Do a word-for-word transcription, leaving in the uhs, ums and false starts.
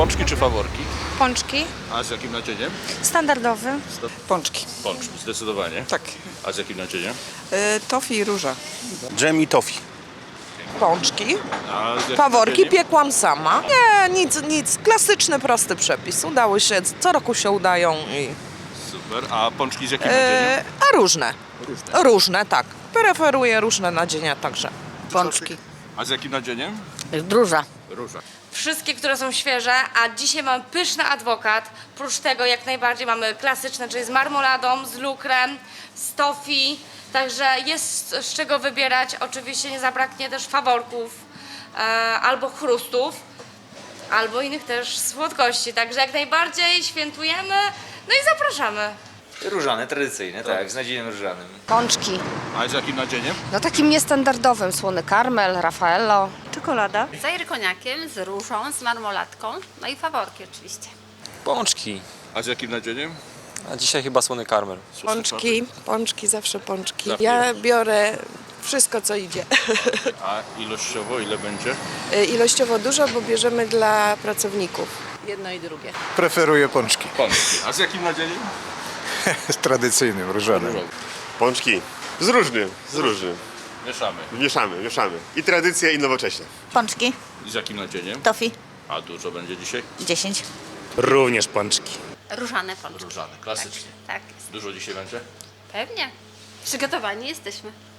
Pączki czy faworki? Pączki. A z jakim nadzieniem? Standardowy. Pączki. Pączki, zdecydowanie. Tak. A z jakim nadzieniem? Y, tofi i róża. Dżem i tofi. Pączki. A z jakim Faworki nadzieniem? piekłam sama. Nie, nic, nic. Klasyczny, prosty przepis. Udało się, co roku się udają. I, Super. A pączki z jakim nadzieniem? e, a różne. Różne. Różne, tak. Preferuję różne nadzienia także. Pączki. A z jakim nadzieniem? Róża. Róża. Wszystkie, które są świeże, a dzisiaj mamy pyszny adwokat. Prócz tego jak najbardziej mamy klasyczne, czyli z marmoladą, z lukrem, z tofi. Także jest z czego wybierać. Oczywiście nie zabraknie też faworków e, albo chrustów, albo innych też słodkości. Także jak najbardziej świętujemy, no i zapraszamy. Różane, tradycyjne, tak, z nadzieniem różanym. Pączki. A z jakim nadzieniem? No takim niestandardowym. Słony karmel, Raffaello. Czekolada. Z ajrykoniakiem, z różą, z marmolatką, no i faworki oczywiście. Pączki. A z jakim nadzieniem? A dzisiaj chyba słony karmel. Pączki, pączki, zawsze pączki. Zawsze. Ja biorę wszystko, co idzie. A ilościowo ile będzie? Ilościowo dużo, bo bierzemy dla pracowników. Jedno i drugie. Preferuję pączki. Pączki. A z jakim nadzieniem? Z tradycyjnym, różanym. Pączki. Z różnym, z różnym. Mieszamy. Mieszamy, mieszamy. I tradycja, i nowocześnie. Pączki. I z jakim nadzieniem? Tofi. A dużo będzie dzisiaj? dziesięć. Również pączki. Różane pączki. Różane, klasycznie. Tak jest. Dużo dzisiaj będzie? Pewnie. Przygotowani jesteśmy.